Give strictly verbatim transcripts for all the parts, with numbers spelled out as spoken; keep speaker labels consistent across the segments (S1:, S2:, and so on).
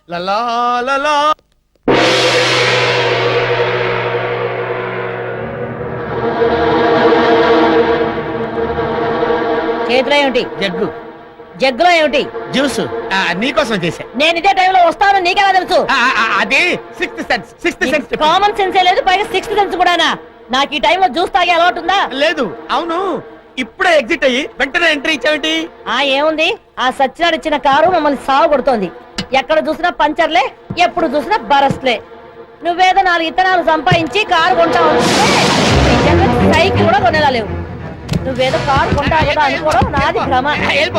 S1: లలా లలా.
S2: చేతిలో ఏమిటి?
S1: జగ్గు
S2: జగ్గులో ఏమిటి?
S1: జ్యూస్. నీకోసం చేశా.
S2: నేను ఇదే టైంలో వస్తాను నీకెలా తెలుసు?
S1: అది sixth sense. Sixth sense.
S2: Common సెన్సే లేదు, పైగా సిక్స్త్ సెన్స్ కూడానా? నాకు ఈ టైంలో జ్యూస్ తాగే అలవాటు ఉందా?
S1: లేదు. అవును, ఇప్పుడే ఎగ్జిట్ అయ్యి వెంటనే ఎంట్రీ ఇచ్చావేంటి?
S2: ఆ ఏముంది, ఆ సచ్చినాడు ఇచ్చిన కారు మమ్మల్ని సాగు కొడుతోంది. ఎక్కడ చూసినా పంచర్లే, ఎప్పుడు చూసినా బరస్లే. నువ్వేదో నాలుగు ఇత్తనాలు సంపాదించి కారు కొంటావు అనుకుంటే సైకిల్ కూడా కొనేలా లేవు. నువ్వేదో కారు కొంటావు కదా అనుకోవడం నాది భ్రమ.
S1: వెళ్ళిపో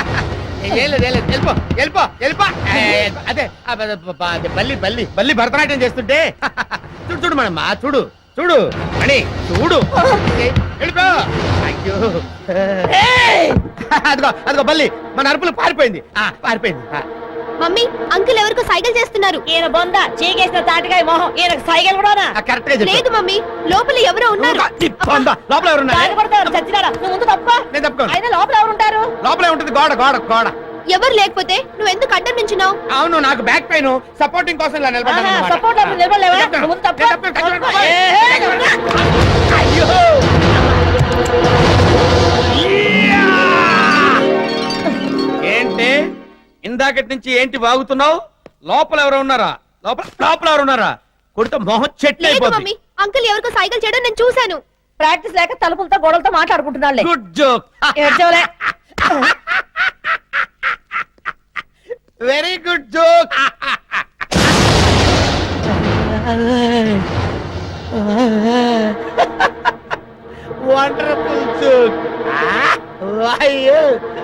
S1: వెళ్ళిపో వెళ్ళిపో. అదే అదే బల్లి బల్లి బల్లి భరతనాట్యం చేస్తుంటే చూడు చూడు మనమ్మా, చూడు చూడు అని చూడు. వెళ్ళిపో. అయ్యో అదిగో అదిగో బల్లి మన అరుపులు పారిపోయింది. పారిపోయింది.
S3: మమ్మీ, అంకుల్ ఎవరికో సైకిల్ చేస్తున్నారు.
S2: ఈయన బొంద చీకేసిన తాటికాయ మొహం, ఈయన సైకిల్ కూడా
S1: కరెక్ట్ గా
S3: లేదు మమ్మీ, లోపల ఎవరో ఉన్నారు.
S1: లోపల ఎవరున్నారు?
S2: చచ్చినాడా నువ్వు ముందు తప్ప.
S1: నేను తప్పుకోను.
S2: అయినా లోపల ఎవరు ఉంటారు?
S1: లోపలే ఉంటుంది గోడ గోడ గోడ.
S3: ఎవరు లేకపోతే నువ్వు ఎందుకు అడ్డం నుంచున్నావు?
S1: అవును, నాకు బ్యాక్ పెయిన్, సపోర్టింగ్ కోసం ఇలా నిలబడ్డాను అన్నమాట.
S2: సపోర్ట్ నిలబడలేవా? నువ్వు ముందు తప్ప.
S1: నేను తప్పుకోను. అయ్యో ఏంటి ఇందాకటి నుంచి ఏంటి వాగుతున్నావు? లోపల ఎవరు ఉన్నారా? లోపల లోపల ఎవరు ఉన్నారా? కొడితే మొహం చెట్లు
S3: లేదు
S1: అయిపోతుంది.
S3: మమ్మీ, అంకుల్ ఎవరికో సైకిల్ చేయడం నేను చూశాను.
S2: ప్రాక్టీస్ లేక తలుపులతో గోడలతో మాట్లాడుకుంటున్నాళ్ళే.
S1: Good joke.
S2: ఏడ్చవలే.
S1: Very good joke. Wonderful joke. అయ్యో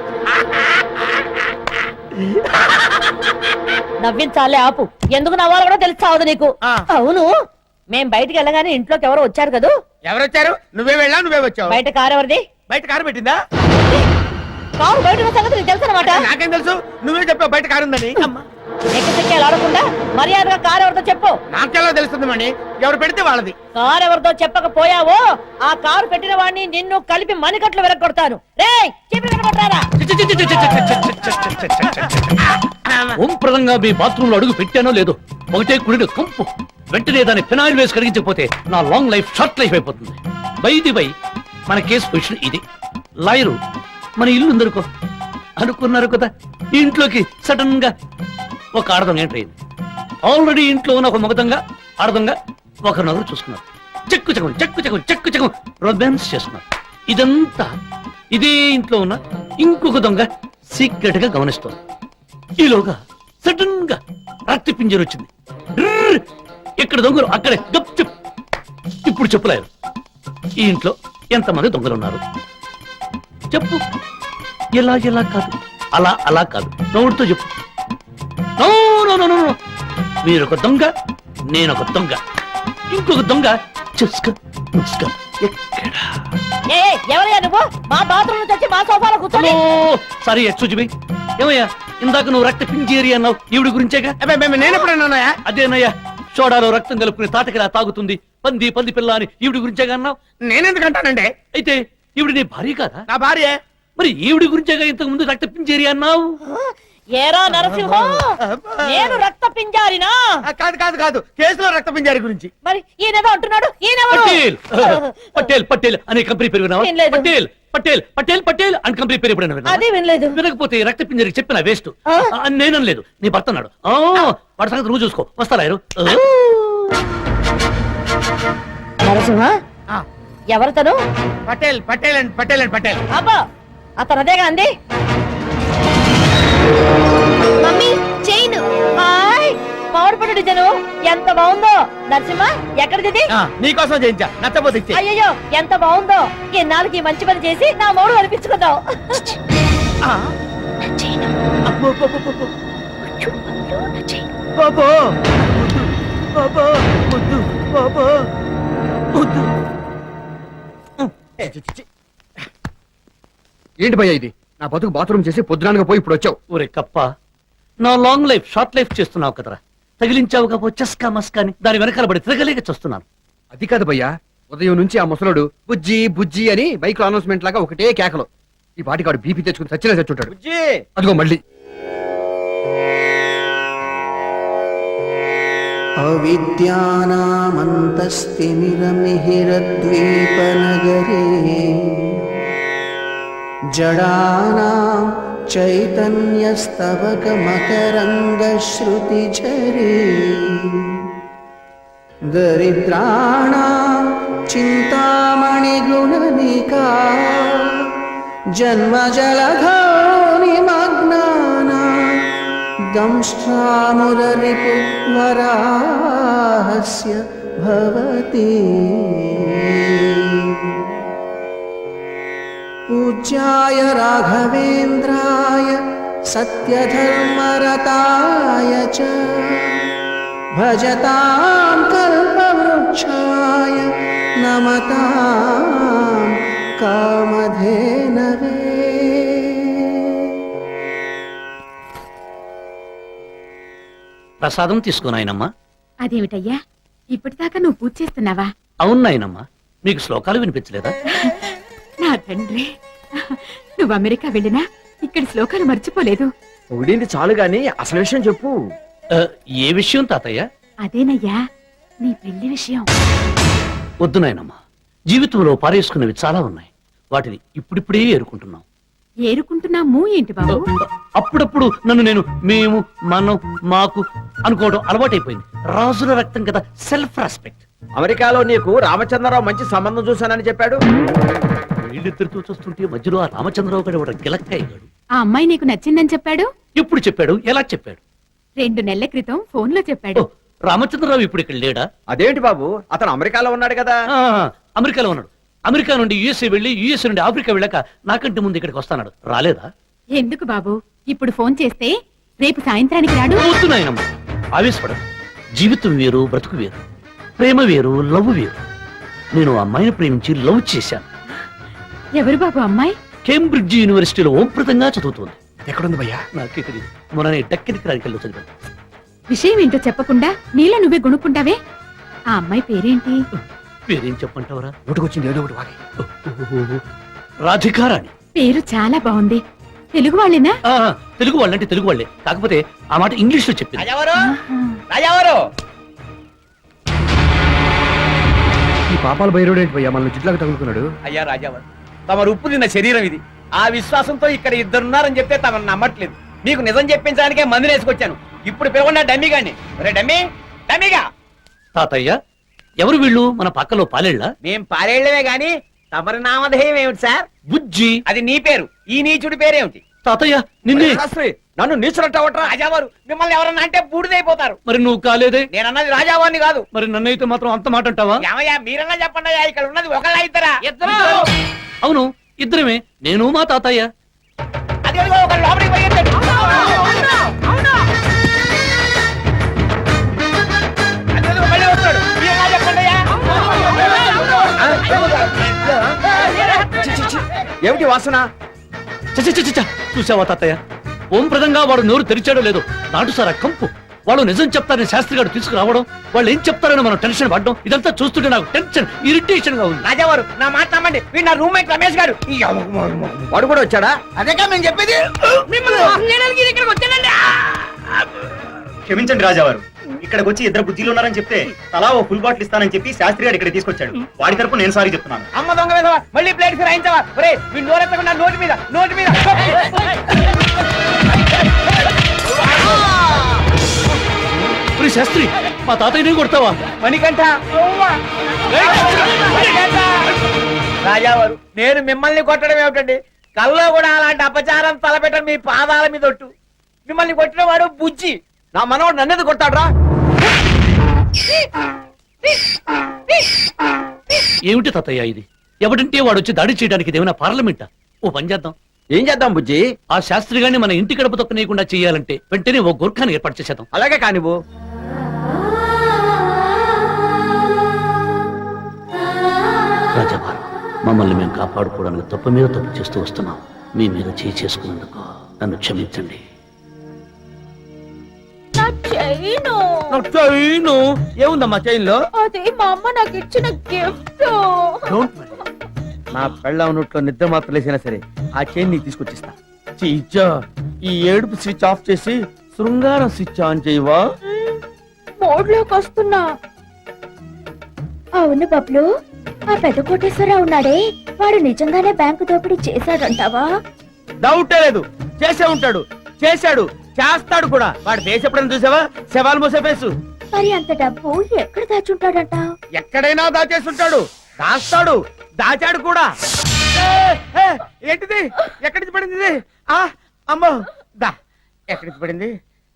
S2: నవ్వించాలే ఆపు. ఎందుకు నవ్వాలో కూడా తెలుసు చావదు నీకు.
S1: ఆ.
S2: అవును, మేం బయటికి వెళ్ళగానే ఇంట్లోకి ఎవరో వచ్చారు కదూ?
S1: ఎవరొచ్చారు? నువ్వే వెళ్ళా, నువ్వే వచ్చావు.
S2: బయట కారు ఎవరిది?
S1: బయట కారు పెట్టిందా?
S2: కారు బయట ఉన్న సంగతి నీకు తెలుసు అనమాట.
S1: నాకేం తెలుసు? నువ్వే చెప్పావు బయట కారు ఉందని.
S2: ఎక్కడికెళ్ళి ఆడకుండా మర్యాదగా కారు ఎవరితో చెప్పు.
S1: నాకెలా తెలుస్తుంది మణి? ఎవరు పెడితే వాళ్ళది.
S2: కారు ఎవరితో చెప్పకపోయావో ఆ కారు పెట్టిన వాడిని నిన్ను కలిపి మణికట్లు వెరగొడతాను. రేయ్ చెప్పి వెరగొట్టారా?
S4: ఓంప్రదంగా మీ బాత్రూమ్ లో అడుగు పెట్టానో లేదో ఒకటే కుడిని కంపు. వెంటనే దాన్ని ఫినాయిల్ వేసి కరిగించకపోతే నా లాంగ్ లైఫ్ షార్ట్ లైఫ్ అయిపోతుంది. బైది బై మన కేసు పొజిషన్ ఇది. లాయరు మన ఇల్లు ఉందనుకో అనుకున్నారు కదా, ఈ ఇంట్లోకి సడన్ గా ఒక ఆడదం ఎంటర్ అయింది. ఆల్రెడీ ఇంట్లో ఉన్న ఒక మగదంగా ఆడదంగా ఒకరినొకరు చూసుకున్నారు. చెక్కు చెక్కు చెక్కు చెక్కు చెక్కు చెక్కు రొమాన్స్ చేస్తున్నారు. ఇదంతా ఇదే ఇంట్లో ఉన్న ఇంకొక దొంగ సీక్రెట్ గా గమనిస్తోంది. ఈలోగా సడన్ గా రక్తి పింజర్ వచ్చింది. ఇక్కడ దొంగలు అక్కడే గప్ చెప్. ఇప్పుడు చెప్పలేరు ఈ ఇంట్లో ఎంతమంది దొంగలు ఉన్నారు చెప్పు. ఎలా ఎలా కాదు, అలా అలా కాదు, నవ్వుడుతో చెప్పు. నో నో నో నో, మీరొక దొంగ, నేనొక దొంగ, ఇంకొక దొంగ చూసుకో చూసుకో. ఎక్కడ?
S2: ఏ ఎవరయ్యా నువ్వు? మా బాత్రూమ్ నుంచి వచ్చి మా సోఫాలో కూర్చొని.
S4: సరే చూచిబి. ఏమయ్యా ఇందాక నువ్వు రక్త పింజేరి అన్నావు, ఈవిడి గురించేగా?
S1: నేను ఎప్పుడన్నా?
S4: అదేనయ్యా, సోడాలో రక్తం కలుపుకుని తాటకిలా తాగుతుంది పంది పంది పిల్ల అని ఈవిడి గురించేగా అన్నావు.
S1: నేనెందుకంటానండి?
S4: అయితే ఈవిడ నీ భార్య కాదా?
S1: నా భార్య.
S4: మరి ఈవిడి గురించేగా ఇంతకు ముందు రక్త పింజేరి అన్నావు.
S2: ఏరా నరసింహం, నేను రక్త పింజారినా?
S1: కాదు కాదు కాదు, కేసులో రక్త పింజారి గురించి.
S2: మరి ఈయనేదో అంటున్నాడు.
S4: పటేల్ పటేల్ పటేల్ అనే కంపెనీ పేరు విన్నావా?
S2: వినలేదు.
S4: పటేల్ పటేల్ పటేల్ పటేల్ అని కంపెనీ పేరు ఎప్పుడైనా విన్నావా?
S2: అది వినలేదు.
S4: వినకపోతే రక్త పింజరికి చెప్పిన వేస్ట్.
S2: ఆ?
S4: నేనలేదు, నీ భర్త అన్నాడు. వాడి సంగతి నువ్వు చూసుకో. వస్తారా?
S2: నరసింహ, ఎవరితను?
S1: Patel Patel and Patel and Patel.
S2: అబ్బా, అతను అదేగా అంది.
S3: Mummy, chain.
S2: హాయ్, పవర్ పట్టు డిజైన్ ఎంత బాగుందో. నరసింహ, ఎక్కడిది?
S1: నీకోసం చేయించా, నచ్చపోతే ఇచ్చే.
S2: అయ్యో ఎంత బాగుందో. ఎన్నాళ్ళకి ఈ మంచి పని చేసి నా మూడు అనిపించుకుందాం.
S5: ఏంటి భయ్యా ఇది? నా బతుకు బాత్రూమ్ చేసి పొద్దునానగా పోయి ఇప్పుడు వచ్చావు.
S4: ఒరే కప్ప, నా లాంగ్ లైఫ్ షార్ట్ లైఫ్ చేస్తున్నావు కదరా. తగిలించావు కాపో చస్కా మస్కా అని దాని వెనకాల పడి తిరగలేక చూస్తున్నాను.
S5: అది కాదు భయ్యా, ఉదయం నుంచి ఆ ముసలోడు బుజ్జి బుజ్జి అని బైక్ లో అనౌన్స్మెంట్ లాగా ఒకటే కేకలు. ఈ పాటికాడు బీపీ తెచ్చుకుని చచ్చినా చచ్చుంటాడు. అదిగో మళ్ళీ
S6: अविद्यानामन्तस्तिमिरमिहिरद्वीपनगरे जडानां चैतन्यस्तवकमकरन्दश्रुतिझरे दरिद्राणां चिन्तामणिगुणनिका जन्मजलधौ निमग्नानां दंष्ट्रामुररिपुवराहस्य भवति पूज्याय राघवेन्द्राय सत्यधर्मरताय च भजतां कल्पवृक्षाय नमतां कामधेनवे।
S4: ప్రసాదం తీసుకో నాయనమ్మా.
S7: అదేమిటయ్యా ఇప్పటిదాకా నువ్వు పూజ చేస్తున్నావా?
S4: అవును నాయనమ్మా, మీకు శ్లోకాలు వినిపించలేదా?
S7: నా తండ్రి, నువ్వు అమెరికా వెళ్ళినా ఇక్కడ శ్లోకాలు మర్చిపోలేదు.
S5: పొగిడింది చాలు గాని అసలు విషయం చెప్పు.
S4: ఆ, ఏ విషయం తాతయ్య?
S7: అదేనయ్యా నీ పెళ్లి విషయం.
S4: వద్దు నాయనమ్మా, జీవితంలో పారేసుకున్నవి చాలా ఉన్నాయి. వాటిని ఇప్పుడిప్పుడే ఏరుకుంటున్నాం.
S7: ఏరుకుంటున్నాము ఏంటి బాబు?
S4: అప్పుడప్పుడు నన్ను నేను మేము మనం మాకు అనుకోవడం అలవాటైపోయింది. రాజుల రక్తం కదా, సెల్ఫ్ రెస్పెక్ట్.
S5: అమెరికాలో నీకు రామచంద్రరావు మంచి సంబంధం చూశానని చెప్పాడు.
S4: వీళ్ళిద్దరితో చూస్తుంటే మధ్యలో ఆ రామచంద్రరావు గారు ఒక గిలక్కయ్యాడు.
S7: ఆ అమ్మాయి నీకు నచ్చిందని చెప్పాడు?
S4: ఎప్పుడు చెప్పాడు? ఎలా చెప్పాడు?
S7: రెండు నెలల క్రితం ఫోన్ లో చెప్పాడు.
S4: ఓ, రామచంద్రరావు ఇప్పుడు ఇక్కడ లేడా?
S5: అదేంటి బాబు, అతను అమెరికాలో ఉన్నాడు కదా.
S4: ఆ, అమెరికాలో ఉన్నాడు. అమెరికా నుండి యుఎస్ఏ వెళ్లి యుఎస్ఏ నుండి ఆఫ్రికా వెళ్ళాక నాకంటే ముందు ఇక్కడికి వస్తాడు. రాలేదా?
S7: ఎందుకు బాబు, ఇప్పుడు ఫోన్ చేస్తే రేపు సాయంత్రానికి రాడు?
S4: వద్దు నాయనమ్మ, ఆవేశపడదు. జీవితం వేరు, బ్రతుకు వేరు. ప్రేమ వేరు, లవ్ వేరు. నేను ఆ అమ్మాయిని ప్రేమించి లవ్ చేశాను.
S7: ఎవరు బాబు అమ్మాయి?
S4: కేంబ్రిడ్జ్ యూనివర్సిటీలో ఓంప్రదంగా చదువుతోంది.
S5: ఎక్కడుంది భయ్యా?
S4: నాకే తెలియదు. మొన్న డక్కెదికి రాజకీయాల్లో చదివాను.
S7: విషయం ఏంటో చెప్పకుండా నీలో నువ్వే గొనుక్కుంటావే. ఆ అమ్మాయి పేరేంటి?
S4: పేరేం చెప్పంటావరా?
S5: నోటుకొచ్చింది ఏదో ఒకటి వాగి.
S4: రాధికారాణి.
S7: పేరు చాలా బాగుంది. తెలుగు వాళ్ళేనా?
S4: ఆ, తెలుగు వాళ్ళంటే తెలుగు వాళ్ళే, కాకపోతే ఆ మాట ఇంగ్లీష్ లో చెప్పింది.
S1: రాజావారు,
S7: ఆహా.
S1: రాజావారు.
S5: ఈ పాపాల బైరోడు ఏంటి భయ్యా మనల్ని చుట్లాగా తగులుకున్నాడు?
S1: అయ్యా రాజావారు, తమరు ఉప్పు తిన్న శరీరం ఇది. ఆ విశ్వాసంతో ఇక్కడ ఇద్దరున్నారని చెప్తే తమను నమ్మట్లేదు. మీకు నిజం చెప్పించడానికే మందులు వేసుకొచ్చాను. ఇప్పుడు పిలవన్నా డమ్మీ గాని. రే డమ్మీ, డమ్మీగా.
S4: తాతయ్య, ఎవరు వీళ్ళు? మన పక్కలో పాలేళ్ళ?
S1: మేం పారేళ్లమే గాని తమరి నామధేయం ఏమిటి సార్?
S4: బుజ్జి.
S1: అది నీ పేరు. ఈ నీచుడి పేరేమిటి?
S4: తాతయ్య, నిన్నే.
S5: శాస్త్రి, నన్ను నీచులంటావట్రా?
S1: రాజావారు, మిమ్మల్ని ఎవరన్నా అంటే బూడిదైపోతారు.
S4: మరి నువ్వు కాలేదే?
S1: నేనన్నది రాజావారిని కాదు.
S4: మరి నన్నైతే మాత్రం అంత మాట అంటావా?
S1: ఏమయ్యా, మీరన్నా చెప్పండి. అయ్యా, ఇక్కడ ఉన్నది ఒకళ్ళ ఇద్దరా? ఇద్దరు.
S4: అవును, ఇద్దరమే, నేను మా తాతయ్య.
S1: అది అదిగో ఒకళ్ళు లోపలికి పరిగెత్తాడు. అది అదిగో మళ్ళీ వస్తాడు. మీరన్నా చెప్పండి అయ్యా.
S5: చి, చి, చి. ఏమిటి వాసన?
S4: చచ్చ చచ్చ చచ్చ. చూసావా తాతయ్య, ఓం ప్రదంగా వాడు నోరు తెరిచాడో లేదో నాటు సారా కంపు. వాళ్ళు నిజం చెప్తారని శాస్త్రి గారు తీసుకురావడం, వాళ్ళు ఏం చెప్తారని మనం టెన్షన్ పడ్డం, ఇదంతా చూస్తుంటే నాకు టెన్షన్, ఇరిటేషన్ గా ఉంది.
S1: రాజావారు, నా మాట నమ్మండి. వీడు నా రూమ్మేట్ రమేష్ గారు. ఈ
S5: వాడు కూడా వచ్చాడా?
S1: అదేగా మేము చెప్పేది. మిమ్మల్ని వదిలేయడానికి ఇది ఇక్కడికి వచ్చానండి.
S8: క్షమించండి రాజావారు, ఇక్కడికి వచ్చి ఇద్దరు బుద్ధిలు ఉన్నారని చెప్తే తలా ఓ ఫుల్ బాటిల్ ఇస్తానని చెప్పి శాస్త్రి గారు ఇక్కడ తీసుకొచ్చాడు. వాడి తరపు నేను సారీ చెప్తున్నాను.
S1: అమ్మ దొంగ మీద మళ్ళీ ప్లేట్ రాయించవా? ఒరే, వీడు నోరెత్తకుండా నోటి మీద నోటి మీద.
S4: ఒరే శాస్త్రి, మా తాతయ్యనే కొడతావా?
S1: మణికంఠ, మణికంఠ. రాజావారు, నేను మిమ్మల్ని కొట్టడం ఏమిటండి? కల్లో కూడా అలాంటి అపచారం తలపెట్టడం మీ పాదాల మీద ఒట్టు. మిమ్మల్ని కొట్టిన వాడు బుజ్జి.
S5: నా మనవాడు నన్నెందు కొట్టాడ్రా?
S4: ఏమిటి తాతయ్య ఇది? ఎవడంటే వాడు వచ్చి దాడి చేయడానికి ఇదేమైనా పార్లమెంటా? ఓ పని చేద్దాం.
S5: ఏం చేద్దాం బుజ్జి?
S4: ఆ శాస్త్రి గారిని మన ఇంటి గడప తొక్కనీయకుండా చేయాలంటే వెంటనే ఓ గోర్ఖాని ఏర్పాటు చేసేద్దాం.
S5: అలాగే కానివ్వు.
S4: రాజావారు, మమ్మల్ని మేము కాపాడుకోవడానికి తప్పు మీద తప్పు చేస్తూ వస్తున్నాం. మీ మీద చేయి చేసుకున్నందుకు నన్ను క్షమించండి.
S2: చైను
S1: ఏముందమ్మా చైన్ లో?
S2: అదే మా అమ్మ నాకు ఇచ్చిన గిఫ్ట్.
S1: నా పెళ్ళ నోట్లో నిద్ర మాత్రం లేసినా సరే ఆ చైన్ నీకు తీసుకొచ్చిస్తా. చీచా, ఈ ఏడుపు స్విచ్ ఆఫ్ చేసి శృంగారం స్విచ్ ఆన్ చేయవా?
S3: మోడ్లోకి వస్తున్నా. అవును బబ్లు, ఆ పెద్ద కోటేశ్వరరావు ఉన్నాడే, వాడు నిజంగానే బ్యాంకు దోపిడీ చేశాడంటావా?
S1: డౌటే లేదు, చేసే ఉంటాడు, చేశాడు, చేస్తాడు కూడా. వాడు ఫేస్ ఎప్పుడైనా చూసావా? శవాలు మోసే ఫేసు.
S3: మరి అంత డబ్బు ఎక్కడ దాచుంటాడంట?
S1: ఎక్కడైనా దాచేస్తుంటాడు, దాస్తాడు, దాచాడు కూడా. ఏ, ఏ, ఏంటిది? ఎక్కడి నుంచి పడింది ఇది? ఆ, అమ్మో, దా, ఎక్కడి నుంచి పడింది?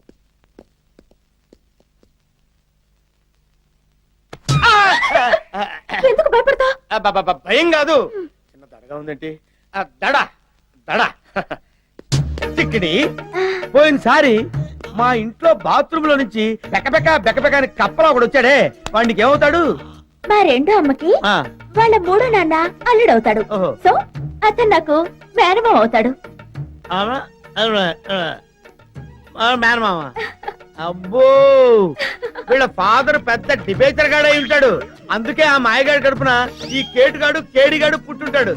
S1: ఆ, ఆ,
S3: ఎందుకు భయపడతా?
S1: అబ్బబ్బబ్బ, భయం కాదు, చిన్న దడగా ఉందేంటి? ఆ, దడ దడ చిక్కిడి. పోయినసారి మా ఇంట్లో బాత్రూమ్ లో నుంచి బెకబెక బెకబెక అని కప్పలా ఒకడు వచ్చాడే, వాడికి ఏమవుతాడు?
S3: మా రెండో అమ్మకి
S1: ఆ,
S3: వాళ్ళ మూడో నాన్న అల్లుడవుతాడు.
S1: ఓహో.
S3: సో అతను నాకు మేనమామ అవుతాడు.
S1: అవునా? అవునా? ఆ. ఆ, మేనమామ. అబ్బో, వీళ్ళ ఫాదర్ పెద్ద డిబేచర్ గాడై ఉంటాడు, అందుకే ఆ మాయగాడి కడుపున ఈ కేటుగాడు కేడిగాడు పుట్టుంటాడు.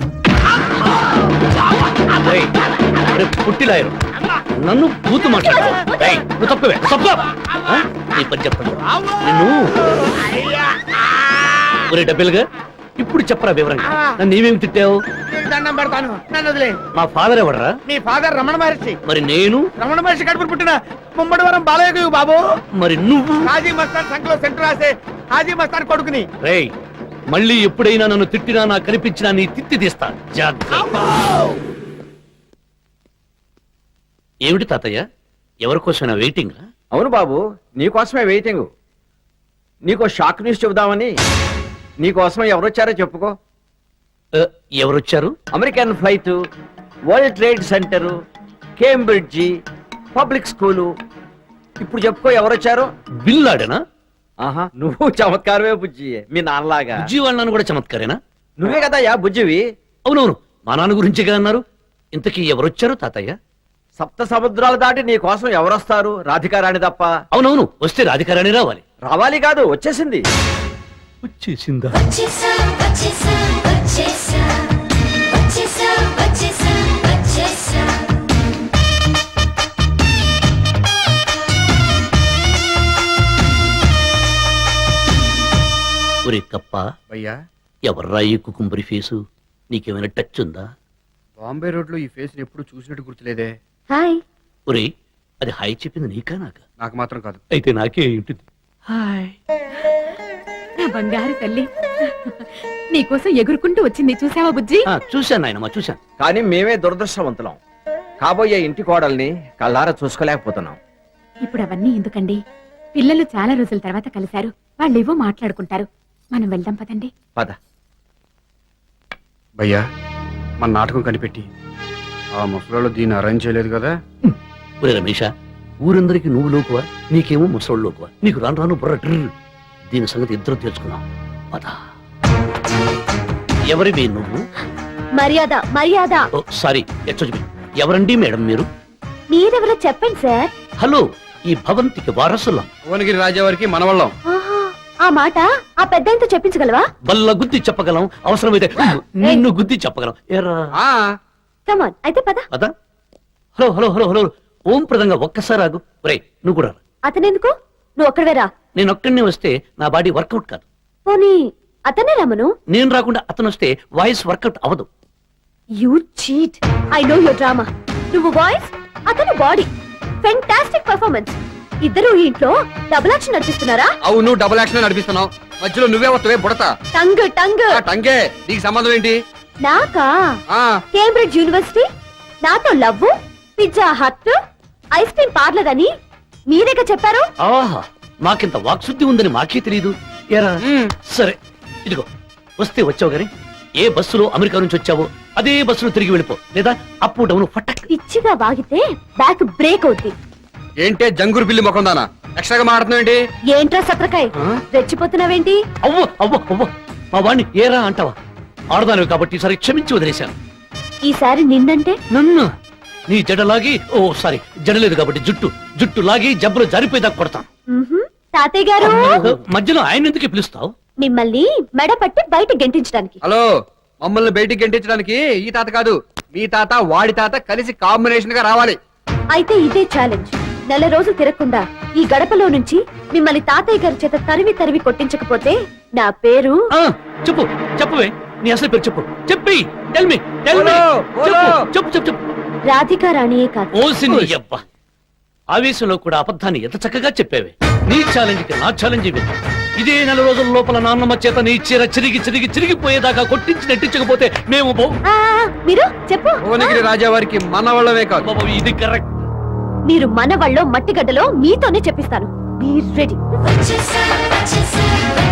S4: రేయ్, రే పుట్టిలాయరు నన్ను బూతు మాట్లాడు. రేయ్, నువ్వు తప్పవే, తప్పు. ఆ? నీ పని చెప్పండి నిన్ను. ఒరే డబ్బులుగా, ఇప్పుడు చెప్పరా వివరంగా, నన్ను నీవేమి తిట్టావు?
S1: నీకు దండం పెడతాను, నన్ను వదిలే.
S4: మా ఫాదర్ ఎవడరా?
S1: మీ ఫాదర్ రమణ మహర్షి.
S4: మరి నేను?
S1: రమణ మహర్షి కడుపున పుట్టిన ముమ్మడివరం బాలయ్య బాబు.
S4: మరి నువ్వు?
S1: హాజీ మస్తాన్ సంఖ్యలో సెంటర్ రాసే హాజీ మస్తాన్ కొడుకుని.
S4: రేయ్, మళ్ళీ ఎప్పుడైనా నన్ను తిట్టినా నాకు కనిపించినా నీ తిత్తి తీస్తా, జాగ్రత్త. ఏమిటి తాతయ్య, ఎవరి కోసమైనా వెయిటింగ్?
S5: అవును బాబు, నీకోసమే వెయిటింగ్. నీకో షాక్ న్యూస్ చెబుదామని. నీకోసం ఎవరొచ్చారో చెప్పుకో.
S4: ఎవరొచ్చారు?
S5: American flight, world trade centre, Cambridge, public school. ఇప్పుడు చెప్పుకో ఎవరొచ్చారో.
S4: బిల్లాడేనా?
S5: ఆహా, నువ్వు చమత్కారమే బుజ్జి, మీ నాన్నలాగా.
S4: బుజ్జి వాళ్ళని కూడా చమత్కారేనా?
S5: నువ్వే కదా యా బుజ్జివి.
S4: అవునవును, మా నాన్న గురించిగా అన్నారు. ఇంతకీ ఎవరొచ్చారు తాతయ్య?
S5: సప్త సముద్రాలు దాటి నీ కోసం ఎవరొస్తారు? రాధికారాణి తప్ప.
S4: అవునవును, వస్తే రాధికారాణి రావాలి.
S5: రావాలి కాదు, వచ్చేసింది.
S4: వచ్చేసిందా?
S3: వచ్చేసా వచ్చేసా వచ్చేసా వచ్చేసా వచ్చేసా వచ్చేసా.
S4: ఒరే కప్ప,
S5: అయ్యా,
S4: ఎవర్రా ఈ కుకుంబరి ఫేసు? నీకేమైనా టచ్ ఉందా?
S5: బాంబే రోడ్ లో ఈ ఫేస్ ఎప్పుడు చూసినట్టు గుర్తులేదే.
S3: హాయ్.
S4: ఒరే, అది హాయ్ చెప్పింది నీకా నాకా?
S5: నాకు మాత్రం కాదు.
S4: అయితే నాకే ఉంటుంది. హాయ్.
S7: నా బంగారు తల్లి, నీకోసం ఎగురుకుంటూ వచ్చింది, చూసావా బుజ్జి?
S4: ఆ, చూశాను నాయనమ్మా, చూశాను.
S5: కానీ మేమే దురదృష్టవంతులం. కాబోయే ఇంటి కోడల్ని కళ్ళారా చూసుకోలేకపోతున్నాం.
S7: ఇప్పుడు అవన్నీ ఎందుకండి? పిల్లలు చాలా రోజుల తర్వాత కలిశారు, వాళ్ళేవో మాట్లాడుకుంటారు. మనం వెళ్దాం పదండి.
S5: పద. భయ్యా, మన నాటకం కనిపెట్టి ఆ ముసలాళ్ళు దీన్ని అరేంజ్ చేయలేదు కదా.
S4: ఒరే రమేష, ఊరందరికి నువ్వు లోకువా, నీకేమో ముసలోళ్ళు లోకువా. నీకు రాను రాను బుర్ర ట్రిర్. దీని సంగతి ఇద్దరు తెలుసుకున్నాం. పద. ఎవరివి నువ్వు?
S3: మర్యాద మర్యాద.
S4: Oh sorry, excuse me. ఎవరండి మేడం మీరు?
S3: మీరెవరో చెప్పండి సార్.
S4: హలో, ఈ భవంతికి వారసులం.
S5: భువనగిరి రాజావారికి మనవళ్ళం.
S3: ఆహా, ఆ మాట ఆ పెద్దాయనతో చెప్పించగలవా?
S4: బల్ల గుద్ది చెప్పగలం, అవసరమైతే నిన్ను గుద్ది చెప్పగలం. ఏరా
S5: ఆ
S3: కమాన్, అయితే పద.
S4: పద. హలో హలో హలో హలో ఓం ప్రదంగా ఒక్కసారి ఆగు. ఒరే నువ్వు కూడా రా.
S3: అతనెందుకు? నువ్వు ఒక్కడవే రా.
S4: నేను ఒక్కడినే వస్తే నా బాడీ వర్కౌట్ కాదు.
S3: పోనీ అతనే రమ్మను.
S4: నేను రాకుండా అతను వస్తే వాయిస్ వర్కౌట్ అవ్వదు.
S3: You cheat. I know your drama. నువ్వు వాయిస్, అతను బాడీ. Fantastic performance. ఇద్దరు ఈ ఇంట్లో డబుల్ యాక్షన్ నడిపిస్తున్నారా?
S5: అవును, డబుల్ యాక్షన్ నడిపిస్తున్నావు. మధ్యలో నువ్వే వస్తావే బుడత.
S3: Tongue tongue.
S5: ఆ టంగే, నీకు సంబంధం ఏంటి?
S3: నాకా?
S5: ఆ
S3: కేంబ్రిడ్జ్ యూనివర్సిటీ, నాతో love, pizza hut, ice cream parlour అని మీరేగా చెప్పారు.
S4: ఆహా, మాకింత వాక్శుద్ధి ఉందని మాకే తెలియదు. ఏరా
S5: మ్.
S4: సరే, ఇదిగో వస్తే వచ్చావు గాని ఏ బస్సులో అమెరికా నుంచి వచ్చావో అదే బస్సులో తిరిగి వెళ్ళిపో, లేదా అప్ డౌన్ ఫటక్.
S3: పిచ్చిగా వాగితే బ్యాక్ బ్రేక్ అవుద్ది.
S5: ఏంటే జంగురు పిల్లి ముఖం దానా ఎక్స్ట్రాగా మాట్లాడుతున్నావు ఏంటి?
S3: ఏంట్రా సత్రకాయ్,
S5: ఆ?
S3: రెచ్చిపోతున్నావేంటి?
S4: అవ్వ అవ్వ అవ్వ, మా వాణ్ణి ఏరా అంటావా? ఆడదానివి కాబట్టి ఈసారి క్షమించి వదిలేశాను.
S3: ఈసారి నిన్నంటే
S4: నన్ను నీ జడలాగి, ఓ సారీ జడలేదు కాబట్టి జుట్టు జుట్టు లాగి జబ్బులు జారిపోయేదాకా కొడతాను.
S3: మ్హూ. తాతయ్య గారు,
S4: మధ్యలో ఆయన ఎందుకు పిలుస్తావు?
S3: మిమ్మల్ని మెడ పట్టి బయట గెంటించడానికి.
S5: హలో, మమ్మల్ని బయటికి గెంటించడానికి ఈ తాత కాదు, మీ తాత వాడి తాత కలిసి కాంబినేషన్ గా రావాలి.
S3: అయితే ఇదే ఛాలెంజ్. నెల రోజులు తిరగకుండా ఈ గడపలో నుంచి మిమ్మల్ని తాతయ్య గారి చేత తరివి తరివి కొట్టించకపోతే నా పేరు
S4: ఆ, చెప్పు చెప్పవే నీ అసలు పేరు చెప్పు చెప్పి టెల్ మీ టెల్ మీ
S5: బోలో, బోలో.
S4: చెప్పు చెప్పు చెప్పు
S3: రాధికా రాణియే కాదు.
S4: ఓసి నీ యవ్వ. ఆవేశంలో కూడా అబద్ధాన్ని ఎంత చక్కగా చెప్పేవి నీ ఛాలెంజ్ కి నా ఛాలెంజ్ ఇవి ఇదే నెల రోజుల లోపల నాన్నమ్మ చేత నీ చీర చిరిగి చిరిగి చిరిగిపోయేదాకా కొట్టించి నెట్టించకపోతే మేము బో-
S3: ఆ, మీరు చెప్పు
S5: భువనగిరి రాజా వారికి మన వాళ్ళమే కాదు
S4: బాబు, ఇది కరెక్ట్
S3: మీరు మనవాళ్ళో మట్టిగడ్డలో మీతోనే చెప్పిస్తాను. Be ready.